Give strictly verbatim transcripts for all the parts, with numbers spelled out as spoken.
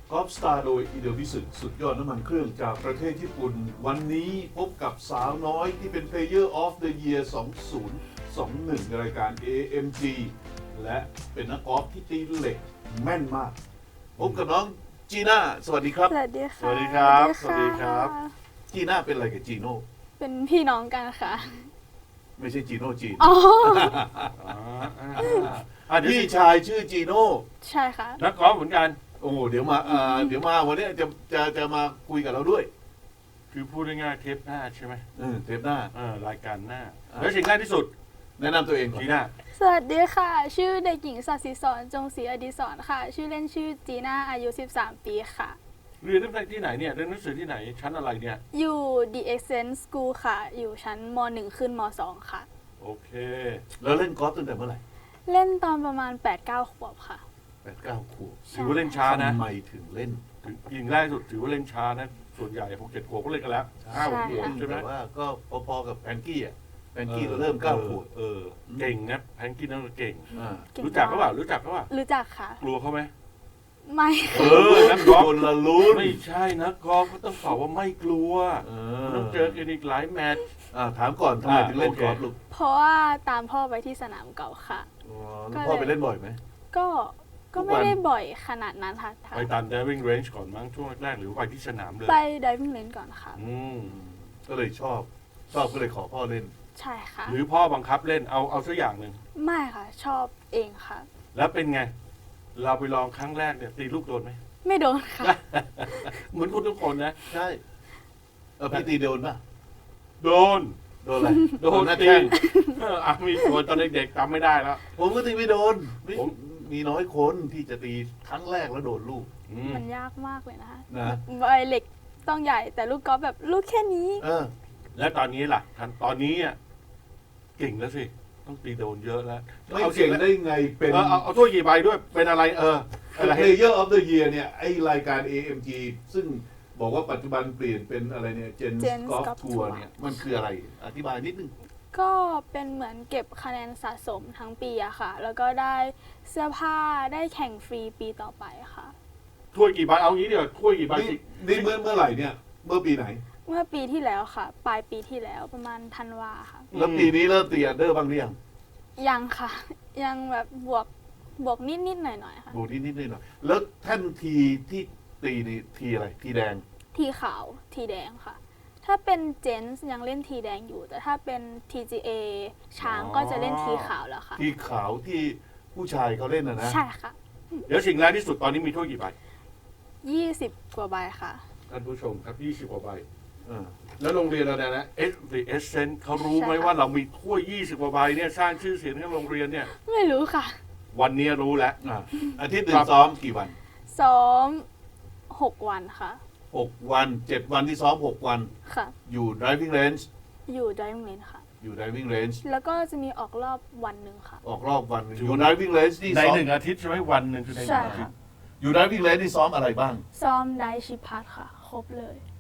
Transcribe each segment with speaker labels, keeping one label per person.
Speaker 1: กอล์ฟสตาร์โดยอีเดวิสึสุดยอดน้ำมันเครื่องจากประเทศญี่ปุ่น วันนี้พบกับสาวน้อยที่เป็น Player of the Year สองพันยี่สิบเอ็ด ในรายการ เอ เอ็ม จี และเป็นนักกอล์ฟที่ตีเหล็กแม่นมาก พบกับน้องจีน่าสวัสดีครับ
Speaker 2: สวัสดีค่ะ
Speaker 3: สวัสดีครับ
Speaker 2: ะ
Speaker 3: สวัสดีครับ
Speaker 1: จีน่าเป็นอะไรกับจีโน่
Speaker 2: เป็นพี่น้องกันค่ะ
Speaker 1: ไม่ใช่จีโน่จีน
Speaker 2: อ๋อ
Speaker 3: อ่าอ่าอ่าเดี๋ยว
Speaker 1: พี่
Speaker 3: สิ
Speaker 1: ชายชื่อจีโน่
Speaker 2: ใช่ค่ะ
Speaker 3: นักกอล์ฟเหมือนกัน
Speaker 1: โอ้โหเดี๋ยวมาอ่าเดี๋ยวมาวันนี้จะจะจะมาคุยกับเราด้วย
Speaker 3: คือพูดง่ายๆเทปหน้าใช่ไหม
Speaker 1: เออเทปหน้า
Speaker 3: เออรายการหน้า
Speaker 1: อ่า
Speaker 3: แล้วสิ่งแรกที่สุด
Speaker 1: แนะนำตัวเองก่อน
Speaker 3: จีน่า
Speaker 2: สวัสดีค่ะ ชื่อเด็กหญิงสัตย์ศรีสอนจงศรีอดิศรค่ะ ชื่อเล่นชื่อจีน่าอายุสิบสามปีค่ะ
Speaker 3: เรียนที่ไหนเนี่ยเรียนหนังสือที่ไหนชั้นอะไรเนี่ย
Speaker 2: อยู่ The Excellent School ค่ะ อยู่ชั้นม หนึ่ง ขึ้นม สอง ค่ะ
Speaker 3: โอเค
Speaker 1: แล้วเล่นกอล์ฟตั้งแต่เมื่อไหร่
Speaker 2: เล่นตอนประมาณ แปดเก้า ขวบค่ะ
Speaker 1: แปดเก้าขวบ
Speaker 3: ถือว่าเล่นช้านะ
Speaker 1: ทำไมถึงเล่น
Speaker 3: ถึงยิงแรกสุดถือว่าเล่นช้านะส่วนใหญ่หกเจ็ดขวบก็เล่นกันแล้วห้าหกขวบ
Speaker 2: ใช่
Speaker 3: ใช่ไหม
Speaker 1: แต่ว่าก็พอๆกับแพนกี้อ่ะแพนกี้
Speaker 3: ออ
Speaker 1: เริ่มเก้าขวบ
Speaker 3: เออเก่งนะแพนกี้นั่นก็เก่ง
Speaker 1: อ่า
Speaker 2: เก่ง
Speaker 3: รู้จักเขาเปล่ารู้จักเขาเปล่า
Speaker 2: รู้จักค่ะ
Speaker 3: กลัวเขาไหม
Speaker 2: ไม่
Speaker 3: เออนักกอล์ฟ
Speaker 1: คนละลุ้น
Speaker 3: ไม่ใช่นักกอล์ฟก็ต้องตอบว่าไม่กลัว
Speaker 1: เอ
Speaker 3: ต้องเจอกันอีกหลายแมตช์
Speaker 1: อ่าถามก่อนทำไมถึงเล่น
Speaker 3: อ่าโอเค
Speaker 1: กอล์ฟลูก
Speaker 2: เพราะว่าตามพ่อไปที่สนามเก่าค่ะ
Speaker 1: อ๋อ
Speaker 2: ก็
Speaker 1: พ่อ
Speaker 2: เลย
Speaker 1: ไปเล่นบ่อยไหม
Speaker 2: ก็ก็
Speaker 1: ทุกวั
Speaker 2: ไม่
Speaker 1: น
Speaker 2: ได้บ่อยขนาดนั้นค่ะ
Speaker 3: ไปตาม driving range ก่อนมั้งช่วงแรกๆหรือไปที่สนามเลย
Speaker 2: ไป diving range ก่อนค่ะ
Speaker 3: อืม
Speaker 1: ก็เลยชอบ ชอบก็เลยขอพ่อเล่น
Speaker 2: ใช่ค่ะ
Speaker 3: หรือพ่อบังคับเล่นเอาเอาสักอย่างหนึ่ง
Speaker 2: ไม่ค่ะ ชอบเองค่ะ
Speaker 3: แล้วเป็นไง เราไปลองครั้งแรกเนี่ยตีลูกโดนไหม
Speaker 2: ไม่โดนค่ะ
Speaker 3: เหมือนคุณทุกคนนะ
Speaker 1: ใช่เออพี่ตีโดนป่ะ
Speaker 3: โดน
Speaker 1: โดนอะไร
Speaker 3: โดน
Speaker 1: หน้า
Speaker 3: ตี
Speaker 1: แข้ง
Speaker 3: เอออ่ะมีโดนตอนเด็กๆจำไม่ได้แล้ว
Speaker 1: ผมก็ตีไม่โดนไม่
Speaker 3: ผม
Speaker 1: มีน้อยคนที่จะตีครั้งแรกแล้วโดนลูก
Speaker 3: อืม
Speaker 2: มันยากมากเลยนะคะ
Speaker 1: นะ
Speaker 2: ใบเหล็กต้องใหญ่แต่ลูกกอล์ฟแบบลูกแค่นี้
Speaker 1: เออ
Speaker 3: แล้วตอนนี้ล่ะทันตอนนี้อ่ะเก่งแล้วสิต้องตีโดนเยอะแล้ว
Speaker 1: ไม่
Speaker 3: เอา
Speaker 1: เก่ง
Speaker 3: แล้ว
Speaker 1: ได้ไงเป็น
Speaker 3: เออเอาเอาถ้วยกี่ใบด้วยเป็นอะไรเอออะไรให้
Speaker 1: Player of the Year เนี่ยไอรายการ เอ เอ็ม จี ซึ่งบอกว่าปัจจุบันเปลี่ยนเป็นอะไรเนี่ย Gen
Speaker 2: Gen
Speaker 1: Golf
Speaker 2: Golf
Speaker 1: Tour
Speaker 2: Tour
Speaker 1: เนี่ยมันคืออะไร อธิบายนิดนึง
Speaker 2: ก็เป็นเหมือนเก็บคะแนนสะสมทั้งปีอะค่ะ แล้วก็ได้เสื้อผ้าได้แข่งฟรีปีต่อไปค่ะ
Speaker 3: ถ้วยกี่ใบเอางี้เดี๋ยวถ้วยกี่ใบ
Speaker 1: นี่
Speaker 3: สิ
Speaker 1: นี่เมื่อเมื่อไหร่เนี่ย เมื่อปีไหน
Speaker 2: เมื่อปีที่แล้วค่ะ ปลายปีที่แล้วประมาณธันวาค่ะ
Speaker 1: แล้วปีนี้เริ่มตีอันเดอร์บ้างหรือยัง
Speaker 2: ยังค่ะ ยังแบบบวกบวกนิดๆหน่อยๆค่ะ
Speaker 1: ดูนิดนิดหน่อยหน่อยแล้วแท่นทีที่ตีนี่ทีอะไร ทีแดง
Speaker 2: ทีขาวทีแดงค่ะ ถ้าเป็นเจนส์ยังเล่นทีแดงอยู่ แต่ถ้าเป็น ที จี เอ ช้างก็จะเล่นทีขาวแล้วค่ะ
Speaker 1: ทีขาวที่ผู้ชายเขาเล่นนะนะ
Speaker 2: ใช่ค่ะ
Speaker 3: เดี๋ยวสิ่งแรกที่สุดตอนนี้มีถ้วยกี่ใบ
Speaker 2: ยี่สิบกว่าใบค่ะ
Speaker 3: ท่านผู้ชมครับยี่สิบกว่าใบ
Speaker 1: เออ
Speaker 3: แล้วโรงเรียนเราเนี่ยนะ S The Essence เขารู้ไหม
Speaker 2: ใช่ค่ะ
Speaker 3: ว่าเรามีถ้วยยี่สิบกว่าใบเนี่ยสร้างชื่อเสียงให้โรงเรียนเนี่ย
Speaker 2: ไม่รู้ค่ะ
Speaker 3: วันนี้รู้แล้ว
Speaker 1: อ่ะอาทิตย์หนึ่
Speaker 3: ครั
Speaker 1: ง
Speaker 3: บ
Speaker 1: ซ้อมกี่วัน
Speaker 2: ซ้อมหกวันค่ะ
Speaker 1: หกวันเจ็ดวันที่ซ้อมหกวัน
Speaker 2: ค่ะ
Speaker 1: อยู่ driving range
Speaker 2: อยู่ diving range ค่ะ
Speaker 1: อยู่ driving range
Speaker 2: แล้วก็จะมีออกรอบวันหนึ่งค่ะ
Speaker 1: ออกรอบวันหนึ่งอยู่ driving range ที่
Speaker 3: ใน
Speaker 1: ซ้อม
Speaker 3: หนึ่งอาทิตย์ใช่ไหมวันหนึ่งคือในห
Speaker 2: ใช่
Speaker 3: นึ่งอาทิต
Speaker 2: ค่ะ
Speaker 3: ย์
Speaker 1: อยู่ driving range ที่ซ้อมอะไรบ้าง
Speaker 2: ซ้อมไดชิพัทค่ะ ครบเลย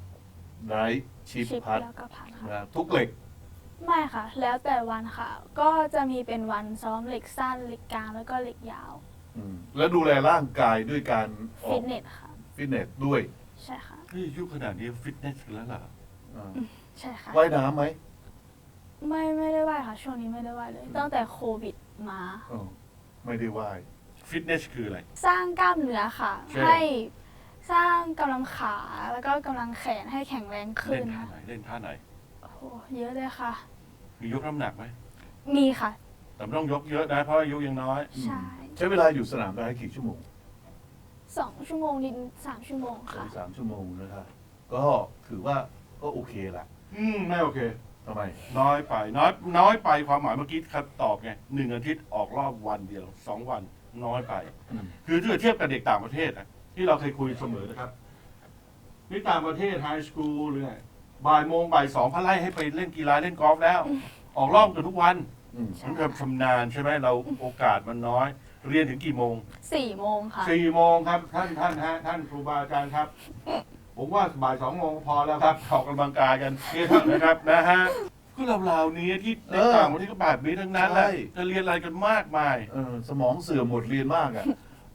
Speaker 1: drive ชิป
Speaker 2: ชิป
Speaker 1: พัด
Speaker 2: แล้วก็พัทค่ะ
Speaker 1: นะทุกเหล็ก
Speaker 2: ไม่ค่ะ แล้วแต่วันค่ะ ก็จะมีเป็นวันซ้อมเหล็กสั้นเหล็กกลางแล้วก็เหล็กยาว
Speaker 1: อืมแล้วดูแลร่างกายด้วยการออ
Speaker 2: ฟิ
Speaker 1: ก
Speaker 2: ตเนสค่ะ
Speaker 1: ฟิตเนสด้วย
Speaker 2: ใช่ค่ะ
Speaker 3: เฮ้ยยุคขนาดนี้ฟิตเนสกันแล้วเหรอ
Speaker 1: อ่า
Speaker 2: ใช่ค่ะ
Speaker 1: ว่ายน้ำไหม
Speaker 2: ไม่ไม่ได้ว่ายค่ะ ช่วงนี้ไม่ได้ว่ายเลย ตั้งแต่โควิดมา
Speaker 1: อ๋อไม่ได้ว่าย
Speaker 3: ฟิตเนสคืออะไร
Speaker 2: สร้างกล้ามเนื้อค่ะ
Speaker 3: ใช่
Speaker 2: ให้สร้างกำลังขาแล้วก็กำลังแขนให้แข็งแรงขึ้
Speaker 3: เล่
Speaker 2: น
Speaker 3: นท่า
Speaker 2: ค่ะ
Speaker 3: ไหนเล่นท่าไหน
Speaker 2: โอ้โหเยอะเลยค่ะ
Speaker 3: มียกน้ำหนักไหม
Speaker 2: มีค่ะ
Speaker 3: แต่ไม่ต้องยกเยอะนะเพราะอายุยังน้อย
Speaker 2: ใช่
Speaker 1: ใช้เวลาอยู่สนามได้กี่ชั่วโมง
Speaker 2: สองชั่วโมงนิดสามชั่วโมง
Speaker 1: สอ
Speaker 2: ค่ะ
Speaker 1: งสามชั่วโมงนะครับก็ถือว่าก็โอเคละ
Speaker 3: อืมไม่โอเค
Speaker 1: ทำไม
Speaker 3: น้อยไปน้อยน้อยไปความหมายเมื่อกี้ครับตอบไงหนึ่งอาทิตย์ออกรอบวันเดียวสองวันน้อยไป
Speaker 1: อืม
Speaker 3: คือถ้าเทียบกับเด็กต่างประเทศนะที่เราเคยคุยเสมอนะครับนี่ต่างประเทศไฮสคูลหรือไงบ่ายโมงบ่ายสองเขาไล่ให้ไปเล่นกีฬาเล่นกอล์ฟแล้ว ออกรอบกันทุกวัน
Speaker 1: อืม
Speaker 2: ใช่
Speaker 3: มันแบบชำนาญใช่ไหมเราโอกาสมันน้อย เรียนถึงกี่โมง
Speaker 2: สี่โมงค่ะ
Speaker 3: สี่โมงครับท่านท่านฮะท่านครูบาอาจารย์ครับ ผมว่าบ่ายสองโมงพอแล้วครับออกกำลังกายกันนี่เถอะนะครับนะฮะก็เราๆนี้ที่ในต่างประเทศก็แบบนี้ทั้งนั้นแหละจะเรียนอะไรกันมากมาย
Speaker 1: เออสมองเสื่อมหมดเรียนมากอ่ะ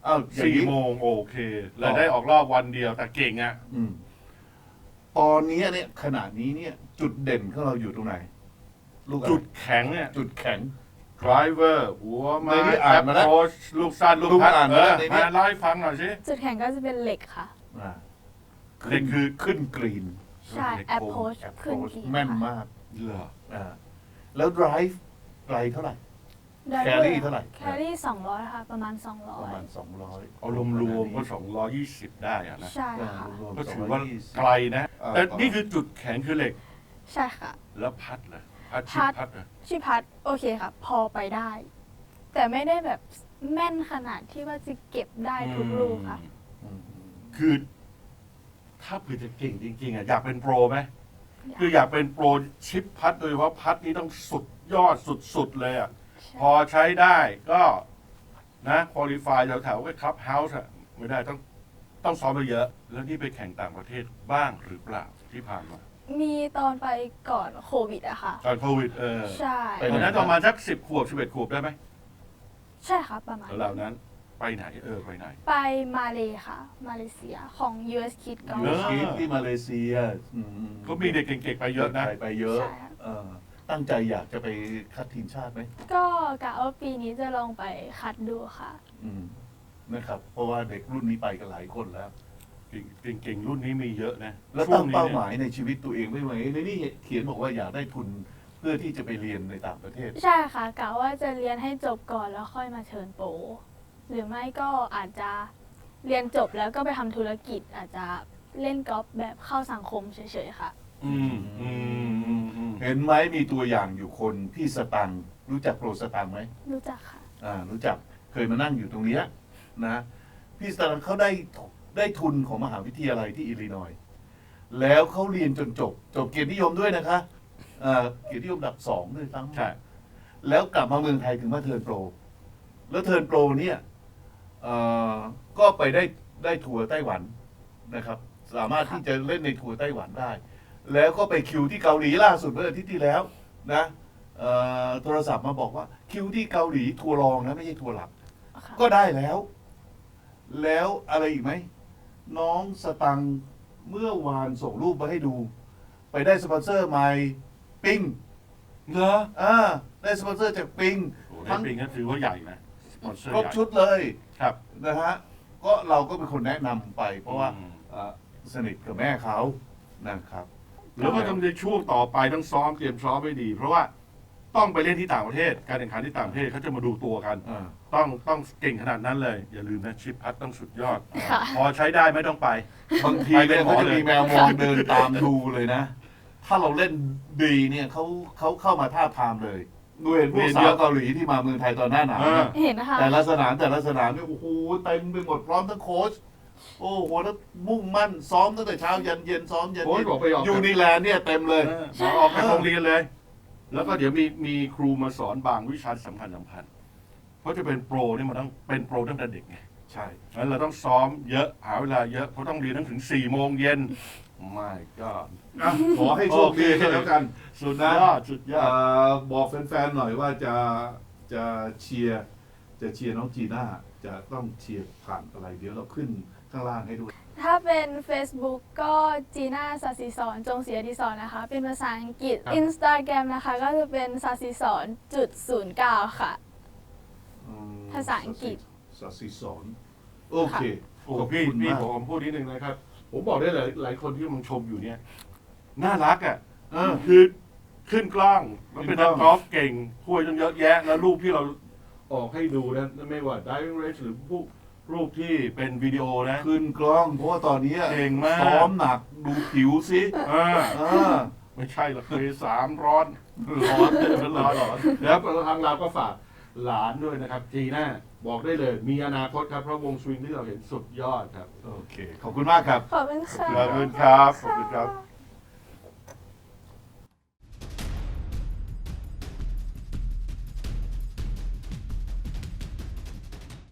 Speaker 1: อ้าวอย่าง
Speaker 3: สี่
Speaker 1: นี้
Speaker 3: โมงโอเคเลยได้ออกรอบวันเดียวแต่เก่งอ่ะ
Speaker 1: อืมตอนนี้เนี่ยขณะนี้เนี่ย จุดเด่นของเราอยู่ตรงไหน ลูกอะไร
Speaker 3: จุดแข็งเนี่ย
Speaker 1: จุดแข็ง
Speaker 3: driver หัวไม้
Speaker 1: ในนี้อ่านมาแล้ว
Speaker 3: approach ลูกสั้นลูก
Speaker 1: ลูก
Speaker 3: พัด
Speaker 1: อ่าน
Speaker 3: เอ
Speaker 1: มาแล้
Speaker 3: อ
Speaker 1: วในนี้
Speaker 3: มาเล่าให้ฟังหน่อยสิ
Speaker 2: จุดแข็งก็จะเป็นเหล็กค่ะ
Speaker 1: อ่า
Speaker 3: เด็กคือ
Speaker 1: ขึ้นกรีน
Speaker 2: ใช่ approach ขึ้น
Speaker 1: approach
Speaker 2: กี่
Speaker 1: แม่น
Speaker 2: ค่ะ
Speaker 1: มาก
Speaker 3: เหรอ
Speaker 1: อ่าแล้ว drive ไกลเท่าไหร่
Speaker 2: driver
Speaker 1: carry เท่าไหร่
Speaker 2: carry สองร้อยค่ะ ประมาณ สองร้
Speaker 1: ป
Speaker 2: อย
Speaker 1: ระมาณสองร้อย
Speaker 3: เอารวมๆก็สองร้อยยี่สิบได้อะนะ
Speaker 2: ใช่ค่ะ
Speaker 3: ก็ถือว่าไกลนะ
Speaker 1: เออ
Speaker 3: แต่นี่คือจุดแข็งคือเหล็ก
Speaker 2: ใช่ค่ะ
Speaker 3: แล้วพัดเหรอพัดชิ
Speaker 2: พั
Speaker 3: ด
Speaker 2: ด
Speaker 3: พัดเหรอ
Speaker 2: ชิพัดโอเคค่ะ พอไปได้ แต่ไม่ได้แบบแม่นขนาดที่ว่าจะเก็บได้ทุกลูกค่ะ
Speaker 1: อืม
Speaker 3: คือ ถ้าเผื่อจะเก่งจริงๆอ่ะอยากเป็นโปรไหม
Speaker 2: อยาก
Speaker 3: คืออยากเป็นโปรชิปพัดโดยเฉพาะพัดนี้ต้องสุดยอดสุดๆเลยอ่ะ
Speaker 2: ใช่
Speaker 3: พอใช้ได้ก็นะคุริฟายแถวๆกับคลับเฮาส์อะไม่ได้ต้องต้องซ้อมมาเยอะ แล้วนี่ไปแข่งต่างประเทศบ้างหรือเปล่าที่ผ่านมา
Speaker 2: มีตอนไปก่อนโควิดอะค่ะ
Speaker 3: ตอนโควิดเออ
Speaker 2: ใช่
Speaker 1: ไป
Speaker 3: ต
Speaker 1: ไห
Speaker 3: อนนั้นประมาณสักสิบขวบสิบเอ็ดขวบได้ไหม
Speaker 2: ใช่ค่ะประมาณ
Speaker 3: เหล่านั้น ไปไหนเออไปไหน
Speaker 2: ไปมาเลค่ะ มาเลเซียของ ยู เอส Kid
Speaker 1: ยู
Speaker 2: Golf
Speaker 3: เออ
Speaker 1: คิดที่มาเลเซียอืม
Speaker 3: ก็มีเด็กเก่งๆไปเยอะนะ
Speaker 1: ไปไปเยอะ
Speaker 2: ใช่ค่ะ
Speaker 1: เออตั้งใจอยากจะไปคัดทีมชาติไหม
Speaker 2: ก็กะว่าปีนี้จะลองไปคัดดูค่ะ
Speaker 1: อืมนะครับ เพราะว่าเด็กรุ่นนี้ไปกันหลายคนแล้ว
Speaker 3: เก่งๆรุ่นนี้มีเยอะนะ
Speaker 1: แล้ว
Speaker 3: ช่
Speaker 1: ตั้
Speaker 3: ว
Speaker 1: ง
Speaker 3: นี้
Speaker 1: เป้าห
Speaker 3: เนี่ย
Speaker 1: มายในชีวิตตัวเองไว้ไหมในนี่เขียนบอกว่าอยากได้ทุนเพื่อที่จะไปเรียนในต่างประเทศ
Speaker 2: ใช่ค่ะกะว่าจะเรียนให้จบก่อนแล้วค่อยมาเชิญโปรหรือไม่ก็อาจจะเรียนจบแล้วก็ไปทำธุรกิจ อาจจะเล่นกอล์ฟแบบเข้าสังคมเฉยๆค่ะ
Speaker 3: อืมอืมอืมอืม
Speaker 1: เห็นไหมมีตัวอย่างอยู่คนพี่สตังค์รู้จักโปรสตังค์ไหม
Speaker 2: รู้จักค่ะ
Speaker 1: อ่ารู้จักเคยมานั่งอยู่ตรงเนี้ยนะพี่สตังค์เขาได้ได้ทุนของมหาวิทยาลัยที่อิลลินอยส์แล้วเขาเรียนจนจบ จบเกียรตินิยมด้วยนะคะอ่าเกียรตินิยมอันดับสองด้วยซ้ำ
Speaker 3: ใช่
Speaker 1: แล้วกลับมาเมืองไทยถึงมาเทิร์นโปร แล้วเทิร์นโปรเนี่ยเอ่อก็ไปได้ได้ทัวร์ไต้หวันนะครับ สามารถที่จะเล่นในทัวร์ไต้หวันได้ แล้วก็ไปคิวที่เกาหลีล่าสุดเมื่ออาทิตย์ที่แล้วนะเอ่อโทรศัพท์มาบอกว่าคิวที่เกาหลีทัวร์รองนะไม่ใช่ทัวร์หลัก
Speaker 2: ค่ะ
Speaker 1: ก็ได้แล้ว แล้วอะไรอีกไหม น้องสตังค์เมื่อวานส่งรูปมาให้ดู ไปได้สปอนเซอร์ใหม่ปิง
Speaker 3: เหรอ
Speaker 1: อ่าได้สปอนเซอร์จากปิง
Speaker 3: โอ้ในปิงก็ถือว่าใหญ่นะสปอนเซอร์
Speaker 1: ครบ
Speaker 3: ใหญ่
Speaker 1: ชุดเลย
Speaker 3: ครับ
Speaker 1: นะฮะก็เราก็เป็นคนแนะนำไป เพราะว่า
Speaker 3: อืม
Speaker 1: เอ่อสนิทกับแม่เขานะครับ
Speaker 3: แล้วก็ต้องในช่วงต่อไปต้องซ้อมเตรียมซ้อมให้ดี เพราะว่าต้องไปเล่นที่ต่างประเทศ การแข่งขันที่ต่างประเทศเขาจะมาดูตัวกัน
Speaker 1: อ่า
Speaker 3: ต้องต้องเก่งขนาดนั้นเลย อย่าลืมนะชิปพัดต้องสุดยอด
Speaker 2: ค่ะ
Speaker 3: พอใช้ได้ไม่ต้องไป
Speaker 1: บางที
Speaker 3: ไปเป็
Speaker 1: เนี่ย
Speaker 3: น
Speaker 1: เขาจะ
Speaker 3: เลย
Speaker 1: มีแมวมองเดินตามดูเลยนะ ถ้าเราเล่นดีเนี่ยเขาเขาเข้ามาท่าบทามเลยดูเห็นพวกสาวเกาหลีที่มาเมืองไทยตอนหน้าหนาว
Speaker 3: เออ
Speaker 1: นะ
Speaker 2: เห็นนะคะ
Speaker 1: แต่ละสนามแต่ละสนามเนี่ยโอ้โหเต็มไปหมดพร้อมทั้งโค้ชโอ้โหแล้วมุ่งมั่นซ้อมตั้งแต่เช้ายันเย็นซ้อมยัน
Speaker 3: โค้ช
Speaker 1: เย็น
Speaker 3: บอกไปออก
Speaker 1: ยูนิแลนด์เนี่ยเต็มเลย
Speaker 3: เออมาออกจากโรงเรียนเลย แล้วก็เดี๋ยวมีมีครูมาสอนบางวิชาสำคัญสำคัญ เพราะจะเป็นโปรนี่มันต้องเป็นโปรตั้งแต่เด็กไง
Speaker 1: ใช่
Speaker 3: งั้นเราต้องซ้อมเยอะหาเวลาเยอะเพราะต้องเรียนตั้งถึงสี่โมงเย็นไม่ก็
Speaker 1: อ่ะขอให้โชคดีกันแล้วกัน
Speaker 3: สุด
Speaker 1: นะ
Speaker 3: ยอดสุดยอ
Speaker 1: เอ่
Speaker 3: ด
Speaker 1: อบอกแฟนๆหน่อยว่าจะจะเชียร์จะเชียร์น้องจีน่าจะต้องเชียร์ผ่านอะไร เดี๋ยวเราขึ้นข้างล่างให้ด้วย
Speaker 2: ถ้าเป็น Facebook ก็จีน่าสัสิสอนจงศรีอดิศรนะคะ เป็นภาษาอังกฤษ
Speaker 3: ครับ
Speaker 2: Instagram นะคะ ก็จะเป็นสัสิสอนจุดศูนย์เก้าค่ะ
Speaker 1: อืม
Speaker 2: ภาษาอังกฤษ
Speaker 1: สัสิสอนโอเค
Speaker 3: โอ้
Speaker 1: ขอบ
Speaker 3: พี่
Speaker 1: คุณ
Speaker 3: พี่
Speaker 1: มาก
Speaker 3: ผมพูดนิดนึงนะครับ ผมบอกได้เลยหลายคนที่กำลังชมอยู่เนี่ย น่ารักอ่ะ
Speaker 1: เออ
Speaker 3: คือขึ้นกล้องแล้วเป็น
Speaker 1: ขึ้
Speaker 3: นั
Speaker 1: น
Speaker 3: ก
Speaker 1: กล้อง
Speaker 3: กอล์ฟเก่งถ้วยตั้งเยอะแยะ แล้วรูปที่เราออกให้ดูนะไม่ว่า diving range หรือพวกรูปที่เป็นวิดีโอนะ
Speaker 1: ขึ้นกล้องเพราะว่าตอนนี้
Speaker 3: เก่งมาก
Speaker 1: ซ้อมหนักดูผิวสิ
Speaker 3: อ่า
Speaker 1: เออ
Speaker 3: ไม่ใช่หรอกเคยสามร้อนร้อนร้อนร้อนแล้วทางเราก็ฝากหลานด้วยนะครับจีน่าบอกได้เลย มีอนาคตครับ เพราะวงสวิงที่เราเห็นสุดยอดครับ
Speaker 1: โอเค ขอบคุณมากครับ
Speaker 2: ขอบคุณค่ะ
Speaker 3: ขอบคุณครับขอบคุณครับ